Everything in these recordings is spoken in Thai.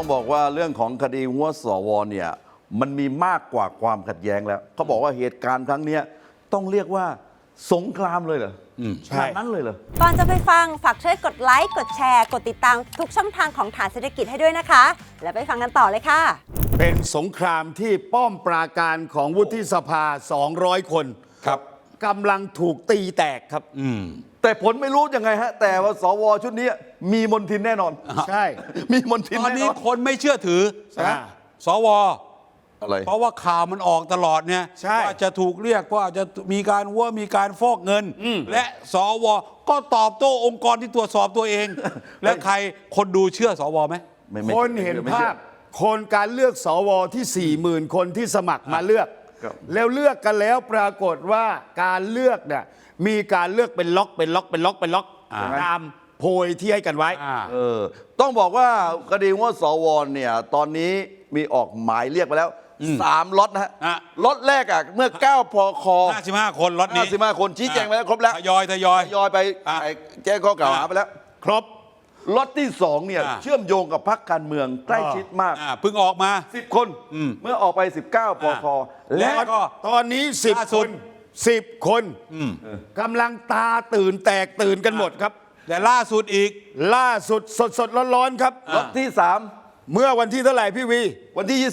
ต้องบอกว่าเรื่องของคดีหัวสวเนี่ยมันมีมากกว่าความขัดแย้งแล้วเขาบอกว่าเหตุการณ์ครั้งนี้ต้องเรียกว่าสงครามเลยเหรอขนาดนั้นเลยเหรอก่อนจะไปฟังฝากช่วยกดไลค์กดแชร์กดติดตามทุกช่องทางของฐานเศรษฐกิจให้ด้วยนะคะแล้วไปฟังกันต่อเลยค่ะเป็นสงครามที่ป้อมปราการของวุฒิสภา200 คนครับกำลังถูกตีแตกครับแต่ผลไม่รู้ยังไงฮะแต่ว่าสวชุดนี้มีมนทินแน่นอนใช่มีมนทินตอนแน่นี้นอนคนไม่เชื่อถือนะสวอะไรเพราะว่าข่าวมันออกตลอดเนี่ยว่าจะถูกเรียกว่าจะมีการมีการฟอกเงินและสวก็ตอบโต้องค์กรที่ตรวจสอบตัวเอง และใครคนดูเชื่อสวไหมคนเห็นภาพคนการเลือกสวที่ 40,000 คนที่สมัครมาเลือกแล้วเลือกกันแล้วปรากฏว่าการเลือกเนี่ยมีการเลือกเป็นล็อกตามโพยที่ให้กันไว้ต้องบอกว่าคดีว่าสวเนี่ยตอนนี้มีออกหมายเรียกไปแล้ว3ล็อตนะฮะล็อตแรกอ่ะเมื่อ9 พค 55 คนล็อตนี้ 55 คนชี้แจงไปแล้วครบแล้วทยอยไปแจ้งข้อกล่าวหาไปแล้วครบล็อตที่2เนี่ยเชื่อมโยงกับพรรคการเมืองใกล้ชิดมากเพิ่งออกมา 10 คนเมื่อออกไป19 พคและก็ตอนนี้10 คนกำลังตาตื่นแตกตื่นกันหมดครับแต่ล่าสุดอีกล่าสุดสดร้อนๆครับล็อตที่3 เมื่อวันที่เท่าไหร่พี่วีวันที่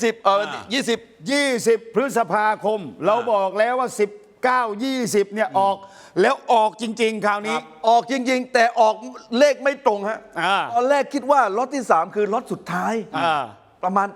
20 พฤษภาคมเราบอกแล้วว่า19 20เนี่ยออกแล้วออกจริงๆคราวนี้ออกจริงๆแต่ออกเลขไม่ตรงฮะตอนแรกคิดว่าล็อตที่3คือล็อตสุดท้ายประมาณ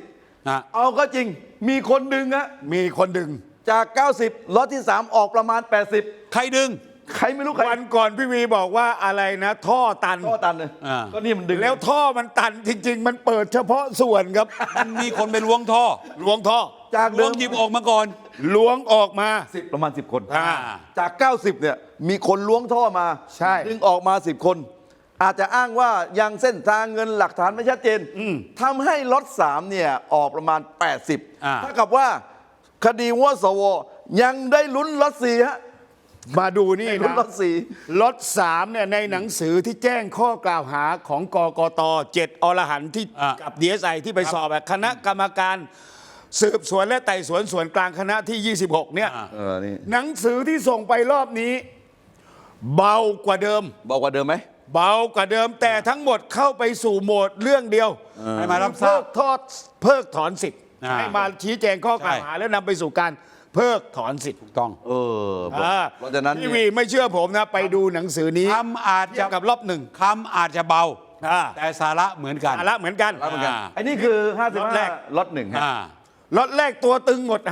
90เอาก็จริงมีคนดึงฮะมีคนดึงจาก90ล็อตที่3ออกประมาณ80 ใครดึงใครไม่รู้ใครวันก่อนพี่วีบอกว่าอะไรนะท่อตันเลยก็นี่มันดึงแล้วท่อมันตันจริงๆมันเปิดเฉพาะส่วนครับมันมีคนไปล้วงท่อจากล้วงหยิบออกมาก่อนล้วงออกมาประมาณ10 คนจาก90เนี่ยมีคนล้วงท่อมาดึงออกมา10 คนอาจจะอ้างว่ายังเส้นทางเงินหลักฐานไม่ชัดเจนทำให้ล็อต3เนี่ยออกประมาณ80เท่ากับว่าคดีหัวสวยังได้ลุ้นล็อต4ฮะมาดูนี่นะล็อต3เนี่ยในหนังสือที่แจ้งข้อกล่าวหาของกกต7 อรหันต์ที่กับ DSI ที่ไปสอบคณะกรรมการสืบสวนและไต่สวนส่วนกลางคณะที่26เนี่ยหนังสือที่ส่งไปรอบนี้เบากว่าเดิมไหมเบากว่าเดิมแต่ทั้งหมดเข้าไปสู่โหมดเรื่องเดียวให้มารับทราบเพิกถอนสิทธิ์ให้มาชี้แจงข้อกล่าวหาแล้วนำไปสู่การเพิกถอนสิทธิ์ถูกต้องเพราะฉะนั้นพี่วีไม่เชื่อผมนะไปดูหนังสือนี้คำอาจจะกับรอบ1 คำอาจจะเบาแต่สาระเหมือนกันอันนี้คือ55ล็อต1ฮะล็อตแรกตัวตึงหมด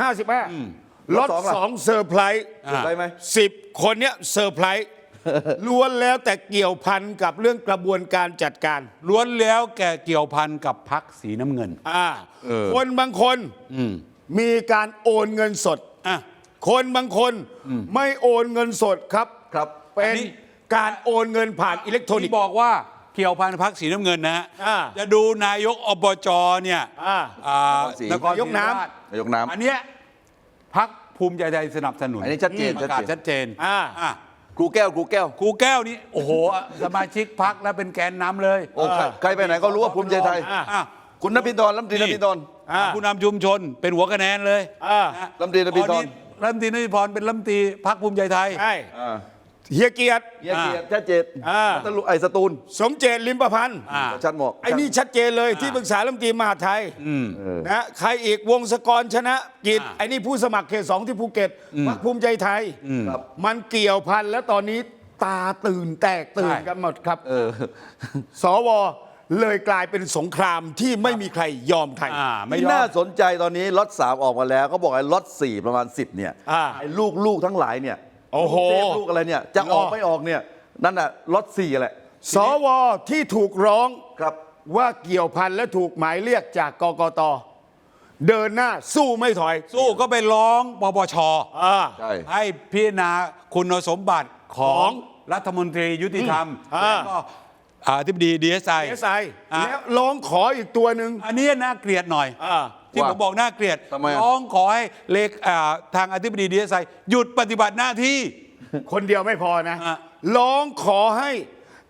55ล็อต2เซอร์ไพรส์ไหม 10 คนเนี้ยเซอร์ไพรส์ล้วนแล้วแต่เกี่ยวพันกับเรื่องกระบวนการจัดการล้วนแล้วแกเกี่ยวพันกับพรรคสีน้ำเงินคนบางคนมีการโอนเงินสดคนบางคนไม่โอนเงินสดครับเป็นการโอนเงินผ่านอิเล็กทรอนิกส์บอกว่าเกี่ยวพันพรรคสีน้ำเงินนะฮะจะดูนายกอบจเนี่ยนายกน้ำอันเนี้ยพรรคภูมิใจไทยสนับสนุนอันนี้ชัดเจนครูแก้วนี่โอ้โหสมาชิกพรรคแล้วเป็นแกนนำเลยใครไปไหนก็รู้ว่าภูมิใจไทยคุณนภิธรรัฐมนตรีนภิธรผู้นำชุมชนเป็นหัวคะแนนเลยรัฐมนตรีนภิธรเป็นรัฐมนตรีพรรคภูมิใจไทยเฮียเกียรติชัดเจนไอ้สตูลสมเจตลิมประพันธ์ชัดหมดไอ้นี่ชัดเจนเลยที่ปรึกษารัฐมนตรีมหาดไทยนะใครอีกวงศกรชนะกิจไอ้นี่ผู้สมัครเขต2ที่ภูเก็ตพรรคภูมิใจไทยมันเกี่ยวพันแล้วตอนนี้ตาตื่นแตกตื่นกันหมดครับสวเลยกลายเป็นสงครามที่ไม่มีใครยอมใครไม่น่าสนใจตอนนี้ล็อต3ออกมาแล้วเขาบอกไอ้ล็อต4ประมาณ10เนี่ยไอ้ลูกทั้งหลายเนี่ยโอ้โหลูกอะไรเนี่ยจะออกไม่ออกเนี่ยนั่นน่ะล็อต4แหละสวที่ถูกร้องว่าเกี่ยวพันและถูกหมายเรียกจากกกตเดินหน้าสู้ไม่ถอยสู้ก็ไปร้องปปชให้พิจารณาคุณสมบัติของรัฐมนตรียุติธรรมแล้วก็อธิบดี DSI แล้วร้องขออีกตัวหนึ่งอันนี้น่าเกลียดหน่อยที่ผมบอกน่าเกลียดร้องขอให้ทางอธิบดี DSI หยุดปฏิบัติหน้าที่คนเดียวไม่พอนะร้องขอให้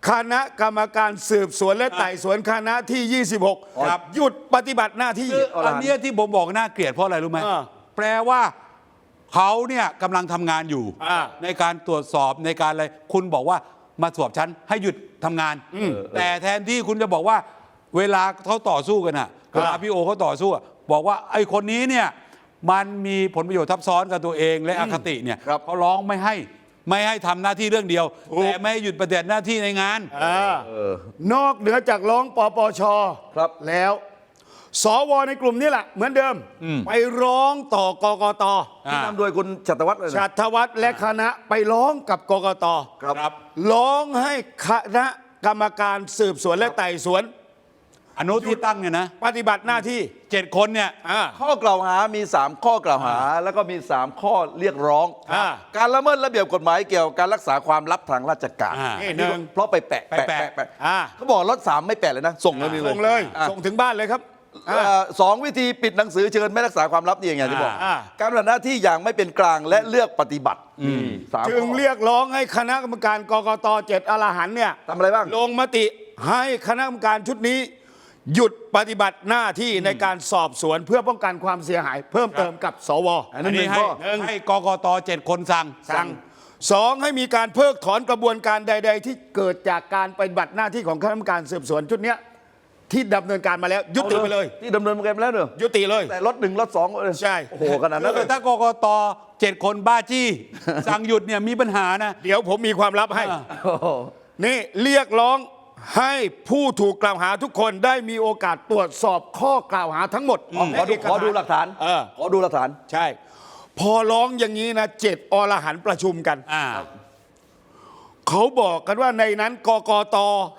คณะกรรมการสืบสวนและไต่สวนคณะที่ 26 ครับหยุดปฏิบัติหน้าที่อันเนี้ยที่ผมบอกน่าเกลียดเพราะอะไรรู้ไหมอ่าแปลว่าเขาเนี่ยกำลังทำงานอยู่อ่าในการตรวจสอบในการอะไรคุณบอกว่ามาสอบฉันให้หยุดทำงาน แต่แทนที่คุณจะบอกว่าเวลาเขาต่อสู้กันอ่ะเวลาพี่โอเขาต่อสู้อะบอกว่าไอ้คนนี้เนี่ยมันมีผลประโยชน์ทับซ้อนกับตัวเองและอคติเนี่ยครับเขาร้องไม่ให้ทำหน้าที่เรื่องเดียว แต่ไม่ให้หยุดปฏิบัติหน้าที่ในงานนอกเหนือจากร้องปปชครับแล้วสวในกลุ่มนี้แหละเหมือนเดิม ไปร้องต่อกกตที่นำโดยคุณชัตวัฒน์เลยนะชัตวัฒน์และคณะไปร้องกับกกตครับร้องให้คณะกรรมการสืบสวนและไต่สวนอนุที่ตั้งเนี่ยนะปฏิบัติหน้าที่ 7 คนเนี่ยข้อกล่าวหามี 3 ข้อกล่าวหา แล้วก็มี 3 ข้อเรียกร้องอ่าการละเมิดระเบียบกฎหมายเกี่ยวกับการรักษาความลับทางราชการอ่านี่หนึ่งเพราะไปแปะไปแปะเขาบอกรถ3ไม่แปะเลยนะ ส่งเลยนี่ส่งเลยอ่ะส่งถึงบ้านเลยครับสองวิธีปิดหนังสือเชิญไม่รักษาความลับนี่อย่างที่บอกอ่าการปฏิบัติหน้าที่อย่างไม่เป็นกลางและเลือกปฏิบัติสามจึงข้อเรียกร้องให้คณะกรรมการกกต7อรหันต์เนี่ยทำอะไรบ้างลงมติให้คณะกรรมการชุดนี้ หยุดปฏิบัติหน้าที่ในการสอบสวนเพื่อป้องกันความเสียหาย เพิ่มเติมกับสวอันอันนั้นหนี้นึ่งให้ข้อให้กกต7 คนสั่งสั่งสองให้มีการเพิกถอนกระบวนการใด ๆ ที่เกิดจากการปฏิบัติหน้าที่ของคณะกรรมการสืบสวนชุดเนี้ยที่ดำเนินการมาแล้ว ยุติไปเลยที่ดำเนินการมาแล้วเนอะยุติเลยแต่รถ1รถ2 ใช่โอ้โหขนาดนั้นเลยถ้ากกต7 คนบ้าจี้ สั่งหยุดเนี่ยมีปัญหานะเดี๋ยวผมมีความลับให้อ่าโอ้โหนี่เรียกร้องให้ผู้ถูกกล่าวหาทุกคนได้มีโอกาสตรวจสอบข้อกล่าวหาทั้งหมดขอดูหลักฐาน ขอดูหลักฐานใช่ พอร้องอย่างนี้นะ7อรหันต์ประชุมกันอ่าเขาบอกกันว่าในนั้นกกต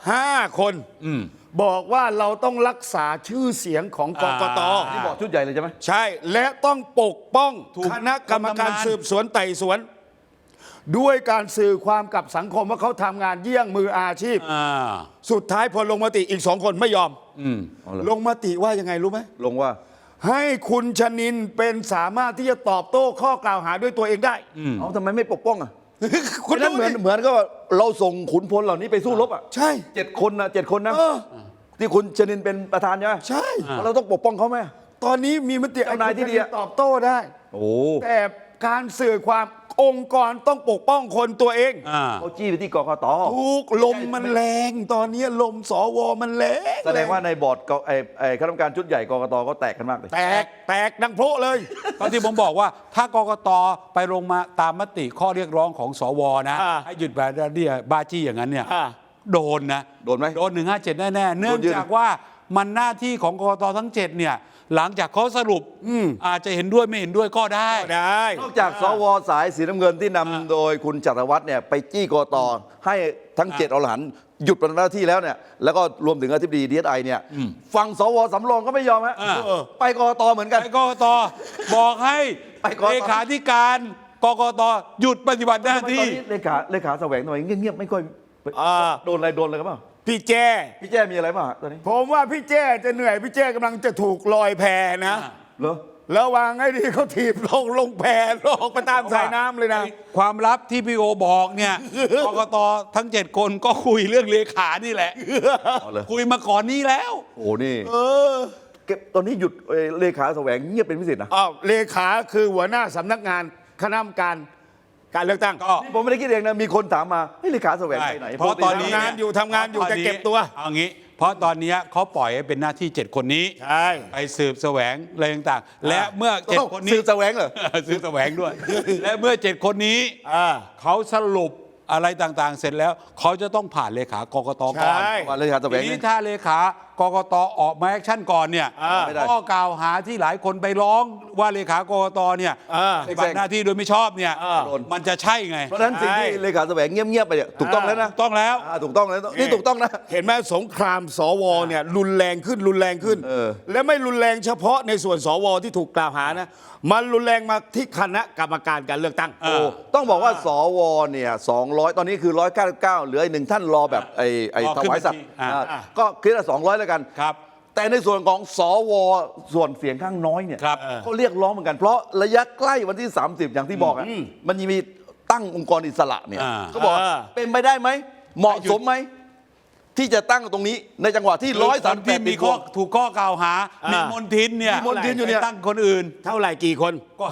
5 คนบอกว่าเราต้องรักษาชื่อเสียงของกกตนี่บอกชุดใหญ่เลยใช่ไหมใช่ และต้องปกป้องถูกคณะกรรมการคนทำงานสืบสวนไต่สวน ด้วยการสื่อความกับสังคมว่าเขาทำงานเยี่ยงมืออาชีพอ่าสุดท้ายพอลงมติอีก2 คนไม่ยอมเอาเลยลงมติว่ายังไงรู้ไหมลงว่าให้คุณชนินเป็นสามารถที่จะตอบโต้ข้อกล่าวหาด้วยตัวเองได้เอาทำไมไม่ปกป้องอ่ะคุณนั้นดูเหมือนดิเหมือนก็เราส่งขุนพลเหล่านี้ไปสู้รบอ่ะใช่ 7 คนนะ7 คนนะเออที่คุณชนินเป็นประธานใช่ไหมใช่เราต้องปกป้องเขาไหมตอนนี้มีมติเจ้านายที่ดีอะตอบโต้ได้โอ้แต่การสื่อความองค์กรต้องปกป้องคนตัวเองอ่าเขาจี้ไปที่กกตทุกลมมันแรง ตอนนี้ลมสวมันแรงแสดงว่าในบอร์ดไอ้คณะกรรมการชุดใหญ่กกตก็แตกกันมากเลยแตกดังโพะเลยก็ที่ผมบอกว่าถ้ากกตไปลงมาตามมติข้อเรียกร้องของสวนะอ่าให้หยุดแบบนี้บ้าจี้อย่างนั้นเนี่ยอ่าโดนนะโดนไหมโดน157แน่ๆเนื่องโดนเยอะจากว่ามันหน้าที่ของกกตทั้ง 7เนี่ยหลังจากเขาสรุปอาจจะเห็นด้วยไม่เห็นด้วยก็ได้ได้นอกจากสวสายสีน้ำเงินที่นำโดยคุณจักรวัฒน์เนี่ยไปจี้กตให้ทั้ง7อรหันต์หยุดปฏิบัติหน้าที่แล้วเนี่ยแล้วก็รวมถึงอธิบดี DSI เนี่ยฝั่งสวสำรองก็ไม่ยอมฮะ ไปกตเหมือนกันไปกกตบอกให้ไปกกตเลขาธิการกกตหยุดปฏิบัติหน้าตอนที่นี้เลขาแสวงทำไมเงียบๆไม่ค่อยอ่าโดนอะไรกันเปล่าพี่แจ้พี่แจ้มีอะไรบ้างตอนนี้ผมว่าพี่แจ้จะเหนื่อย พี่แจ้กำลังจะถูกลอยแพนะเหรอระวังให้ดีเขาถีบลงแพลงไปตามสายน้ำเลยนะความลับที่พี่โอบอกเนี่ย กกตทั้ง 7 คนก็คุยเรื่องเลขานี่แหละเอาเลยคุยมาก่อนนี้แล้วโอ้นี่เออเก็บตอนนี้หยุดเลขาแสวงเงียบเป็นพิเศษนะอ้าวเลขาคือหัวหน้าสำนักงานคณะกรรมการเลือกตั้งก็นี่ผมไม่ได้คิดเองนะมีคนถามมาเฮ้ยเลขาแสวงไปไหนเพราะตอนนี้ทำงานอยู่ทำงานอยู่แต่เก็บตัวเอางี้ เพราะตอนนี้เขาปล่อยให้เป็นหน้าที่ 7 คนนี้ใช่ไปสืบแสวงอะไรต่างๆ และเมื่อ 7 คนนี้ซื้อแสวงเหรอสืบแสวงด้วย และเมื่อ 7 คนนี้อ่าเขาสรุปอะไรต่างๆ เสร็จแล้ว เขาจะต้องผ่านเลขากกตก่อนใช่ว่าเลขาแสวทีงนี้เนี่ยถ้าเลขากกตออกมาแอคชั่นก่อนเนี่ยไม่ได้ข้อกล่าวหาที่หลายคนไปร้องว่าเลขากกตเนี่ยอ่าปฏิบัติหน้าที่โดยไม่ชอบเนี่ยอ่ามันจะใช่ไงเพราะฉะนั้นสิ่งที่เลขาแสวงเงียบๆไปเนี่ยถูกต้องแล้วนะต้องแล้วถูกต้องแล้วนี่ถูกต้องนะเห็นไหมสงครามสวเนี่ยรุนแรงขึ้นเออและไม่รุนแรงเฉพาะในส่วนสวที่ถูกกล่าวหานะมันรุนแรงมาที่คณะกรรมการการเลือกตั้งเออต้องบอกว่าสวเนี่ย200 ตอนนี้คือ 199เหลืออีกหนึ่งท่านรอแบบไอ้รอถขึ้นวายสัตว์บัญชีอ่าก็คิดว่า200 แล้วกันครับแต่ในส่วนของสวส่วนเสียงข้างน้อยเนี่ยครับเขาเรียกร้องเหมือนกันเพราะระยะใกล้วันที่ 30 อย่างที่บอกอ่ะมันยังมีตั้งองค์กรอิสระเนี่ยอ่าเขาบอกว่าเป็นไปได้ไหมเหมาะสมไหมที่จะตั้งตรงนี้ในจังหวะที่คนที่ 138 มีข้อถูกข้อกล่าวหา มีมนทินเนี่ยมีมนทินอยู่เนี่ยไปตั้งคนอื่นเท่าไหร่กี่คนก็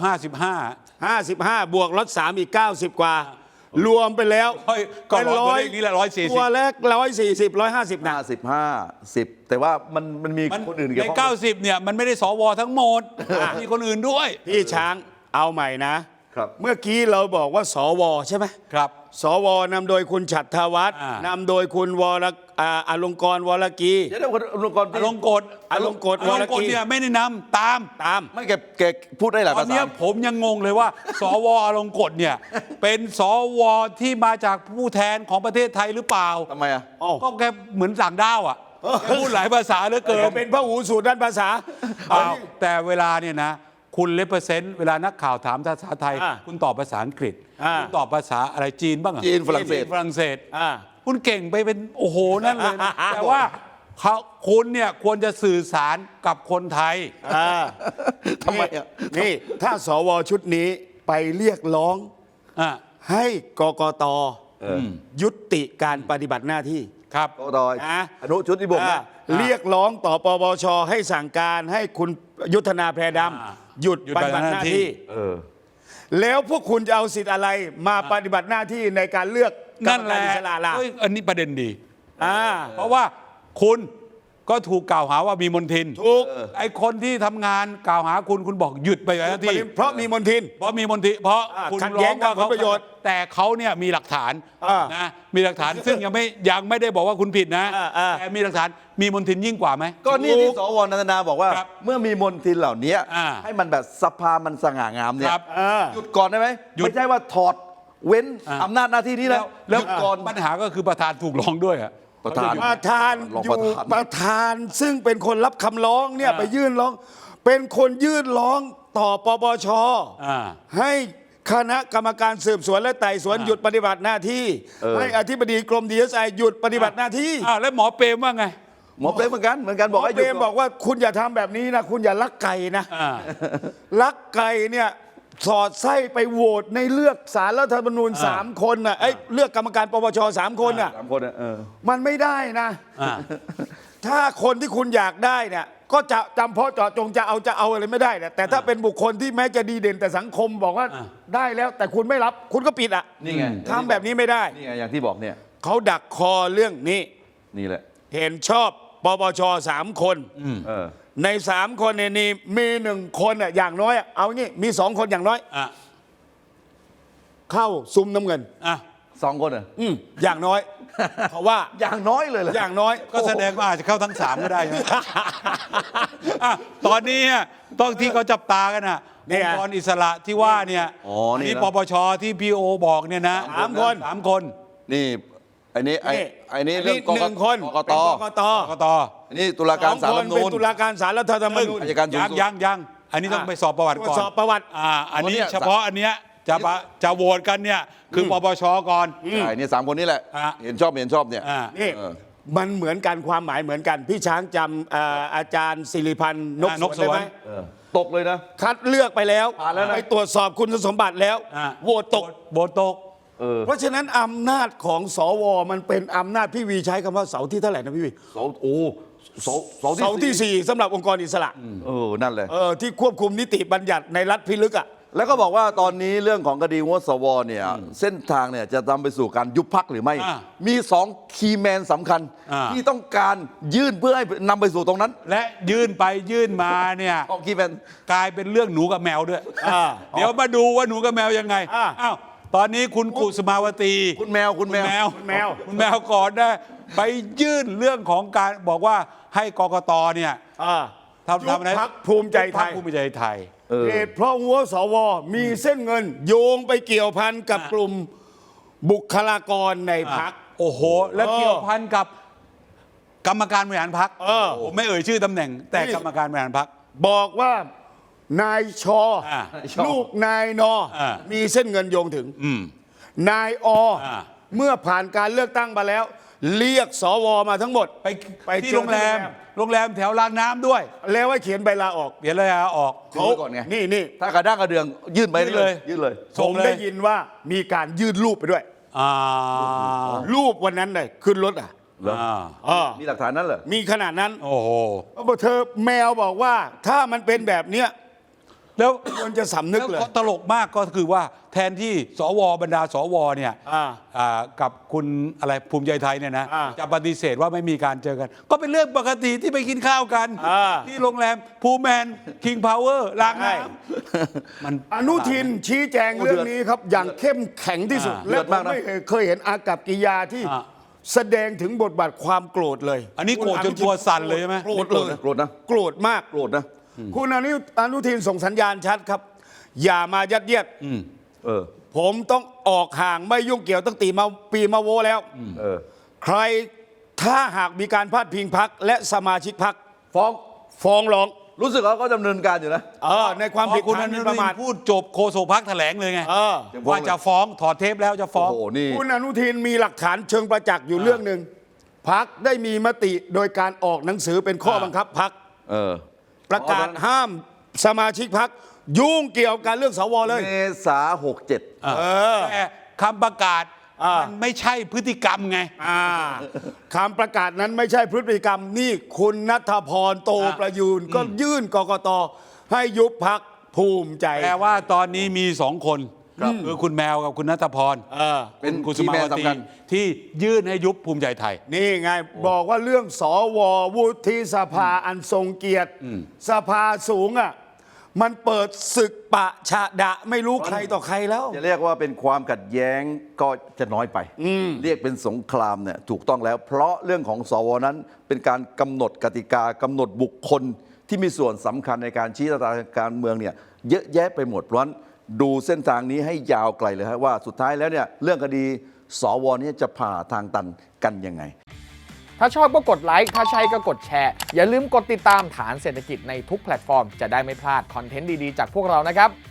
55 55 บวกลด3อีก 90 กว่า รวมไปแล้วก็ร้อยตัวเลขนี้แหละ140 ตัวแรก140 150นะ 55 10แต่ว่ามันมีคนอื่นเกี่ยวในข้อง 90เนี่ยมันไม่ได้สวทั้งหมด มีคนอื่นด้วยพี่ช้างเอาใหม่นะครับเมื่อกี้เราบอกว่าสวใช่ไหมครับสวนำโดยคุณฉัตรธวัฒน์นนำโดยคุณอลงกรณ์วรกีเดี๋ยวคนลงกรอลงกฎอลงกฎอลงกฎเนี่ยไม่ได้นำตามตามไม่แกพูดได้หลายตอภาน ษาเนี้ยผมยังงงเลยว่า สวอลงกฎเนี่ย เป็นสวที่มาจากผู้แทนของประเทศไทยหรือเปล่าทำไมอ่ะก็แกเหมือนต่างด้าวอ่ะแกพูดหลายภาษาเหลือเกินเป็นพระหูสูตรด้านภาษาเปล่าแต่เวลาเนี่ยนะ คุณเลเปอร์เซนต์เวลานักข่าวถามภาษาไทยอ่าคุณตอบภาษาอังกฤษอ่าคุณตอบภาษาอะไรจีนบ้างอะจีนฝรั่งเศสฝรั่งเศสอ่าคุณเก่งไปเป็นโอ้โหนั่นเลยนะ แต่ว่าคุณเนี่ยควรจะสื่อสารกับคนไทยทำไมอ่ะนี่ถ้าสวชุดนี้ไปเรียกร้องอ่ะให้กกตยุติการปฏิบัติหน้าที่ครับกกตนะอนุชุดที่บ่งอ่าเนี่ยเรียกร้องต่อปปชให้สั่งการให้คุณยุทธนาแพรดำหยุดปฏิบัติหน้าที่เออแล้วพวกคุณจะเอาสิทธิ์อะไรมาปฏิบัติหน้าที่ในการเลือกกรนั่รนมแหการละอิสระล่ะเอ้ยอันนี้ประเด็นดีอ่าเพราะว่าคุณก็ถูกกล่าวหาว่ามีมนทินถูกไอ้คนที่ทำงานกล่าวหาคุณบอกหยุดไปหน้าที่เพราะมีมนทินเพราะมีมนทินเพราะอ่าคุณขัดร้แย้องงกับว่าผลประโยชน์แต่เขาเนี่ยมีหลักฐานอ่านะมีหลักฐานซึ่งยังไม่ได้บอกว่าคุณผิดนะอ่าแต่มีหลักฐานมีมนทินยิ่งกว่าไหมก็นี่ที่สวนันทนาบอกว่าครับเมื่อมีมนทินเหล่านี้อ่าให้มันแบบสภามันสง่างามเนี่ยครับหยุดก่อนได้ไหมหยุดไม่ใช่ว่าถอดเว้นอ่าอำนาจหน้าที่นี้แล้แล้ว วแล้วหยุดก่อนปัญหาก็คือประธานถูกร้องด้วยอะประธานประธานรองอยู่ประธานประธานซึ่งเป็นคนรับคำร้องเนี่ยไปยื่นร้อง เป็นคนยื่นร้องต่อปปชอ่าให้คณะกรรมการสืบสวนและไต่สวนหยุดปฏิบัติหน้าที่ ให้อธิบดีกรมดีเอสไอหยุดปฏิบัติหน้าที่อ้าวแล้วหมอเปรมว่าไงหมอเปรมเหมือนกันบอกให้หเปยุรดมก่อนบอกว่าคุณอย่าทำแบบนี้นะคุณอย่าลักไก่นะอ่าลักไก่เนี่ยสอดไส้ไปโหวตในเลือกสารรัฐธรรมนูญ3 คนน่ะเลือกกรรมการปปช3 คนน่ะสามคนอะมันไม่ได้นะอ่าถ้าคนที่คุณอยากได้เนี่ยก็จะจำเพาะเจาะจงจะเอาอะไรไม่ได้นะแต่ถ้าเป็นบุคคลที่แม้จะดีเด่นแต่สังคมบอกว่าได้แล้วแต่คุณไม่รับคุณก็ปิดอ่ะนี่ไงทำแบบนี้ไม่ได้นี่ไงอย่างที่บอกเนี่ยเขาดักคอเรื่องนี้นี่แหละเห็นชอบปปช3 คนเออใน3 คนเนี่ยนี่มี1 คนอ่ะอย่างน้อยเอางี้มี2 คนอย่างน้อยอ่ะเข้าซุ้มน้ำเงินอ่ะ 2 คนเหรออย่างน้อย เพราะว่าอย่างน้อยเลยเหรออย่างน้อยก็แสดงว่าอาจจะเข้าทั้ง 3 ก็ได้ใช่ไหม อ่ะตอนนี้ต้องที่เขาจับตากันอ่ะเนี่องยค์กรอิสระที่ว่าเนี่ยอ๋อนี่นี่นะปปชที่พีโอบอกเนี่ยนะ 3 คน 3 คนนี่ไอ้นี่เรื่องหนึ่งคนกตเป็นกตกตอันนี้ตุลาการศาล 2 คนรัฐธรรมเป็นนูญตุลาการศาลรัฐธรรมนูญอัยการสูงสุดยังอันนี้ต้องไปสอบประวัติตรวก่อจนสอบประวัติอันนี้เนี่ยเฉพาะอันเนี้ยจะโหวตกันเนี่ยคือปปชก่อนใช่เนี่ย3 คนนี้แหละอ่ะเห็นชอบเนี่ยอ่านี่เออมันเหมือนกันความหมายเหมือนกัน พี่ช้างจำอาจารย์สิริพันธ์นกนกสวนได้ไหมสวนตกเลยนะคัดเลือกไปแล้วผ่านแล้วนะไปตรวจสอบคุณสมบัติแล้วอ่ะโหวตตกโหวตตกเพราะฉะนั้นอำนาจของสวมันเป็นอำนาจพี่วีใช้คำว่าเสาที่เท่าไหร่นะพี่วีเสาที่ 4สำหรับองค์กรอิสระนั่นเลยที่ควบคุมนิติบัญญัติในรัฐพิลึกอ่ะแล้วก็บอกว่าตอนนี้เรื่องของคดีงดสวเนี่ยเส้นทางเนี่ยจะนำไปสู่การยุบพักหรือไม่อ่ามี2คีย์แมนสำคัญอ่าที่ต้องการยื่นเพื่อให้นำไปสู่ตรงนั้นและยื่นไปยื่นมาเนี่ย 2คีย์แมนกลายเป็นเรื่องหนูกับแมวด้วยอ่าเดี๋ยวมาดูว่าหนูกับแมวยังไงอ่าอ้าวตอนนี้คุณกุสมาวตีคุณแมวคุณแมวคุณแมวคุณแมวก่อนนะไปยื่นเรื่องของการบอกว่าให้กกตเนี่ยทำอะไรยุบพรรคภูมิใจไทยพรรคภูมิใจไทยเหตุเพราะหัวสวมีเส้นเงิน โยงไปเกี่ยวพันกับกลุ่มบุคลากรในพรรคโอ้โห แล้วเกี่ยวพันกับกรรมการบริหารพรรค ผมไม่เอ่ยชื่อตำแหน่ง แต่นี่กรรมการบริหารพรรคบอกว่านายชอ ลูกนายนอ มีเส้นเงินโยงถึง นายอ เมื่อผ่านการเลือกตั้งมาแล้ว เรียกสวมาทั้งหมดไปที่โรงแรมแถวรางน้ำด้วยแล้วให้เขียนใบลาออกเปลี่ยนเลยออกเขาก่อนไงนี่ถ้ากระด้างกระเดืองยื่นไปยื่นเลยยื่นเลยผม ได้ยินว่ามีการยื่นรูปไปด้วยอ่ารูปวันนั้นเลยขึ้นรถอ่ะเหรอ มีหลักฐานนั้นเหรอมีขนาดนั้นโอ้โหเธอแมวบอกว่าถ้ามันเป็นแบบเนี้ยแล้วควรจะสำนึกเลยแล้วตลกมากก็คือว่าแทนที่สวบรรดาสวเนี่ยกับคุณอะไรภูมิใจไทยเนี่ยนะจะปฏิเสธว่าไม่มีการเจอกัน ก็เป็นเรื่องปกติที่ไปกินข้าวกัน ที่โรงแรมภูแมนคิงพาวเวอร์ล้างน้ำมันอนุทินชี้แจงเรื่องนี้ครับ อย่างเข้มแข็งที่สุด และผมไม่เคยเห็นอากัปกิริยาที่แสดงถึงบทบาทความโกรธเลยอันนี้โกรธจนตัวสั่นเลยใช่ไหมโกรธเลยโกรธนะโกรธมากโกรธนะคุณอนุทินส่งสัญญาณชัดครับ อย่ามายัดเยียด ผมต้องออกห่างไม่ยุ่งเกี่ยวตั้งปีมาโวแล้ว ใครถ้าหากมีการพาดพิงพรรคและสมาชิกพรรค ฟ้องร้องรู้สึกว่าเขาดำเนินการอยู่นะในความผิดคุณฐาอนหนุมิ่นประทิมาทนพูดจบโฆษกพรรคแถลงเลยไงยังฟ้องว่าจะฟ้องถอดเทปแล้วจะฟ้องโอ้โห นี่คุณอนุทินมีหลักฐานเชิงประจักษ์อยู่เรื่องหนึ่งพรรคได้มีมติโดยการออกหนังสือเป็นข้อบังคับพรรคประกาศห้ามสมาชิกพรรคยุ่งเกี่ยวกับเรื่องสวเลยเมษา67 แต่คำประกาศมันไม่ใช่พฤติกรรมไงคำประกาศนั้นไม่ใช่พฤติกรรมนี่คุณณัฐพรโตประยูนก็ยื่นกกตให้ยุบพรรคภูมิใจแปลว่าตอนนี้มีสองคนคือคุณแมวกับคุณณัฐพรเป็นคุณสคีย์มาแมนวตีสำคัญที่ยื่นให้ยุบภูมิใจไทยนี่ไงบอกว่าเรื่องสววุฒิสภาอันทรงเกียรติสภาสูงมันเปิดศึกปะชะดะไม่รู้ใครต่อใครแล้วจะเรียกว่าเป็นความขัดแย้งก็จะน้อยไป เรียกเป็นสงครามเนี่ยถูกต้องแล้ว เพราะเรื่องของสวนั้นเป็นการกำหนดกติกากำหนดบุคคลที่มีส่วนสำคัญในการชี้ชะตาการเมืองเนี่ยเยอะแยะไปหมดเพราะฉะนั้นดูเส้นทางนี้ให้ยาวไกลเลยว่าสุดท้ายแล้วเนี่ยเรื่องคดีสวนี้จะผ่าทางตันกันยังไงถ้าชอบก็กดไลค์ ถ้าใช่ก็กดแชร์ อย่าลืมกดติดตามฐานเศรษฐกิจในทุกแพลตฟอร์ม จะได้ไม่พลาดคอนเทนต์ดี ๆ จากพวกเรานะครับ